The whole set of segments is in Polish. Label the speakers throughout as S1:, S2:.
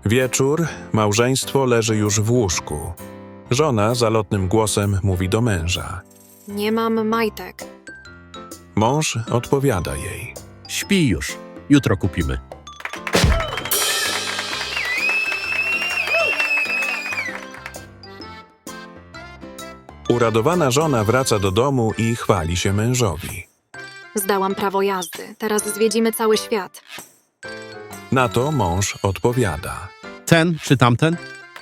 S1: Wieczór, małżeństwo leży już w łóżku. Żona zalotnym głosem mówi do męża.
S2: Nie mam majtek.
S1: Mąż odpowiada jej.
S3: Śpi już. Jutro kupimy.
S1: Uradowana żona wraca do domu i chwali się mężowi.
S2: Zdałam prawo jazdy. Teraz zwiedzimy cały świat.
S1: Na to mąż odpowiada.
S3: Ten czy tamten?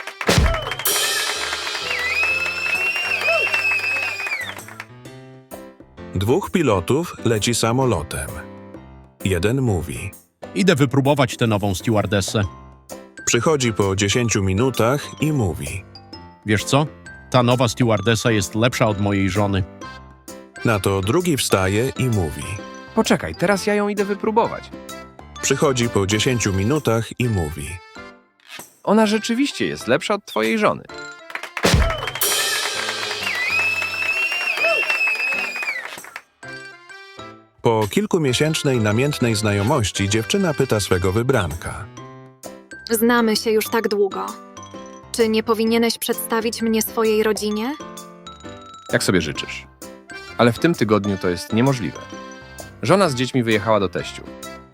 S1: Dwóch pilotów leci samolotem. Jeden mówi.
S3: Idę wypróbować tę nową stewardessę.
S1: Przychodzi po 10 minutach i mówi.
S3: Wiesz co? Ta nowa stewardessa jest lepsza od mojej żony.
S1: Na to drugi wstaje i mówi.
S4: Poczekaj, teraz ja ją idę wypróbować.
S1: Przychodzi po 10 minutach i mówi.
S4: Ona rzeczywiście jest lepsza od twojej żony.
S1: Po kilkumiesięcznej namiętnej znajomości dziewczyna pyta swego wybranka.
S2: Znamy się już tak długo. Czy nie powinieneś przedstawić mnie swojej rodzinie?
S4: Jak sobie życzysz. Ale w tym tygodniu to jest niemożliwe. Żona z dziećmi wyjechała do teściu.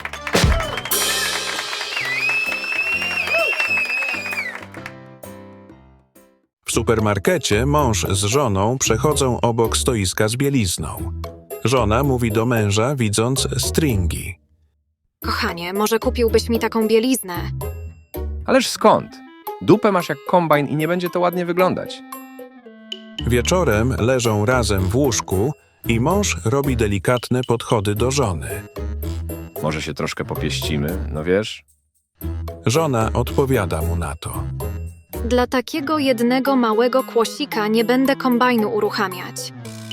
S1: W supermarkecie mąż z żoną przechodzą obok stoiska z bielizną. Żona mówi do męża, widząc stringi.
S2: Kochanie, może kupiłbyś mi taką bieliznę?
S4: Ależ skąd? Dupę masz jak kombajn i nie będzie to ładnie wyglądać.
S1: Wieczorem leżą razem w łóżku i mąż robi delikatne podchody do żony.
S4: Może się troszkę popieścimy, no wiesz?
S1: Żona odpowiada mu na to.
S2: Dla takiego jednego małego kłosika nie będę kombajnu uruchamiać.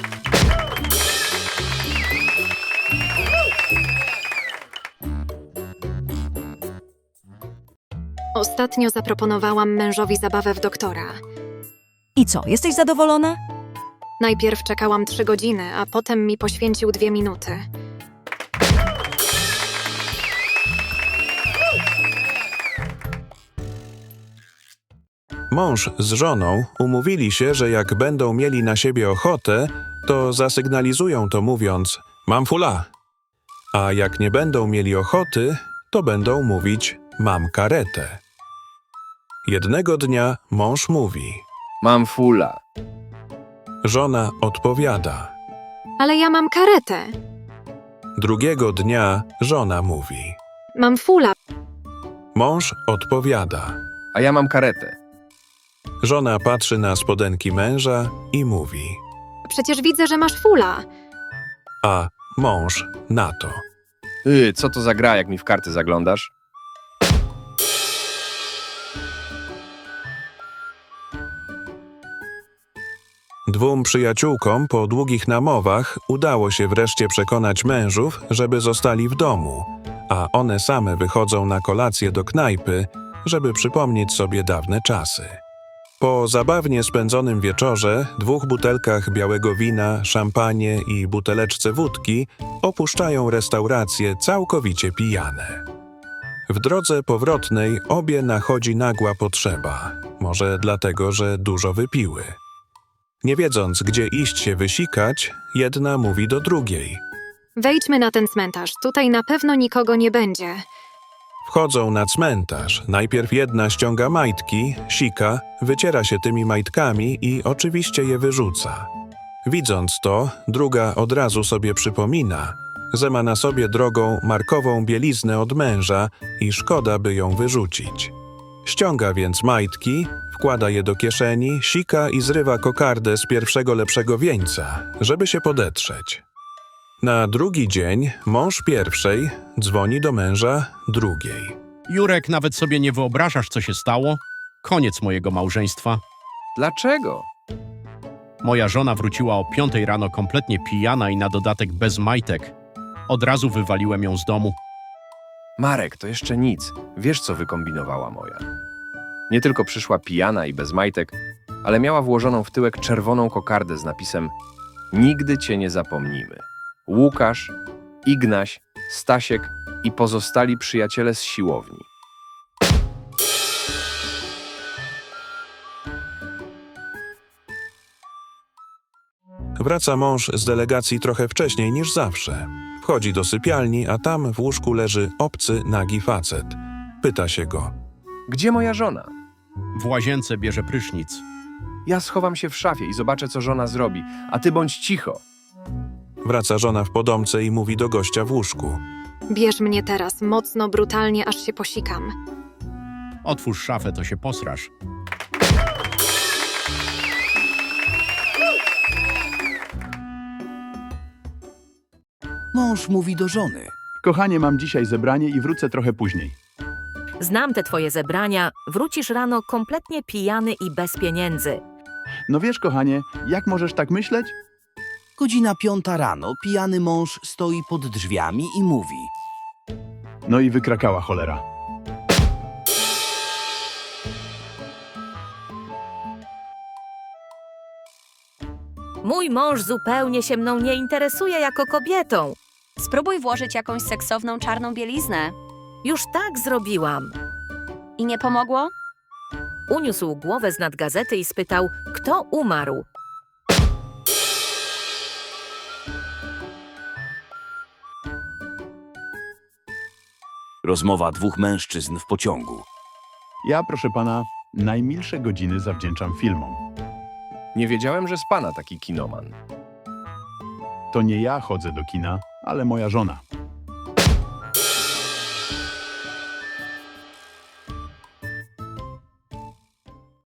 S2: Ostatnio zaproponowałam mężowi zabawę w doktora.
S5: I co, jesteś zadowolona?
S2: Najpierw czekałam 3 godziny, a potem mi poświęcił 2 minuty.
S1: Mąż z żoną umówili się, że jak będą mieli na siebie ochotę, to zasygnalizują to mówiąc mam fula. A jak nie będą mieli ochoty, to będą mówić mam karetę. Jednego dnia mąż mówi.
S4: Mam fula.
S1: Żona odpowiada.
S2: Ale ja mam karetę.
S1: Drugiego dnia żona mówi.
S2: Mam fula.
S1: Mąż odpowiada.
S4: A ja mam karetę.
S1: Żona patrzy na spodenki męża i mówi.
S2: Przecież widzę, że masz fula.
S1: A mąż na to.
S4: Co to za gra, jak mi w karty zaglądasz?
S1: Dwóm przyjaciółkom po długich namowach udało się wreszcie przekonać mężów, żeby zostali w domu, a one same wychodzą na kolację do knajpy, żeby przypomnieć sobie dawne czasy. Po zabawnie spędzonym wieczorze, 2 butelkach białego wina, szampanie i buteleczce wódki opuszczają restaurację całkowicie pijane. W drodze powrotnej obie nachodzi nagła potrzeba, może dlatego, że dużo wypiły. Nie wiedząc, gdzie iść się wysikać, jedna mówi do drugiej.
S2: Wejdźmy na ten cmentarz. Tutaj na pewno nikogo nie będzie.
S1: Wchodzą na cmentarz. Najpierw jedna ściąga majtki, sika, wyciera się tymi majtkami i oczywiście je wyrzuca. Widząc to, druga od razu sobie przypomina, że ma na sobie drogą markową bieliznę od męża i szkoda, by ją wyrzucić. Ściąga więc majtki, wkłada je do kieszeni, sika i zrywa kokardę z pierwszego lepszego wieńca, żeby się podetrzeć. Na drugi dzień mąż pierwszej dzwoni do męża drugiej.
S3: Jurek, nawet sobie nie wyobrażasz, co się stało? Koniec mojego małżeństwa.
S4: Dlaczego?
S3: Moja żona wróciła o 5 rano kompletnie pijana i na dodatek bez majtek. Od razu wywaliłem ją z domu.
S4: Marek, to jeszcze nic. Wiesz, co wykombinowała moja. Nie tylko przyszła pijana i bez majtek, ale miała włożoną w tyłek czerwoną kokardę z napisem Nigdy cię nie zapomnimy. Łukasz, Ignaś, Stasiek i pozostali przyjaciele z siłowni.
S1: Wraca mąż z delegacji trochę wcześniej niż zawsze. Wchodzi do sypialni, a tam w łóżku leży obcy, nagi facet. Pyta się go.
S4: Gdzie moja żona?
S3: W łazience bierze prysznic.
S4: Ja schowam się w szafie i zobaczę, co żona zrobi, a ty bądź cicho.
S1: Wraca żona w podomce i mówi do gościa w łóżku.
S2: Bierz mnie teraz, mocno, brutalnie, aż się posikam.
S3: Otwórz szafę, to się posrasz.
S6: Mąż mówi do żony.
S7: Kochanie, mam dzisiaj zebranie i wrócę trochę później.
S8: Znam te twoje zebrania, wrócisz rano kompletnie pijany i bez pieniędzy.
S7: No wiesz, kochanie, jak możesz tak myśleć?
S6: Godzina 5 rano, pijany mąż stoi pod drzwiami i mówi.
S7: No i wykrakała cholera.
S8: Mój mąż zupełnie się mną nie interesuje jako kobietą.
S9: Spróbuj włożyć jakąś seksowną czarną bieliznę.
S8: Już tak zrobiłam.
S9: I nie pomogło?
S8: Uniósł głowę z nad gazety i spytał, kto umarł.
S6: Rozmowa dwóch mężczyzn w pociągu.
S7: Ja, proszę pana, najmilsze godziny zawdzięczam filmom.
S4: Nie wiedziałem, że z pana taki kinoman.
S7: To nie ja chodzę do kina, ale moja żona.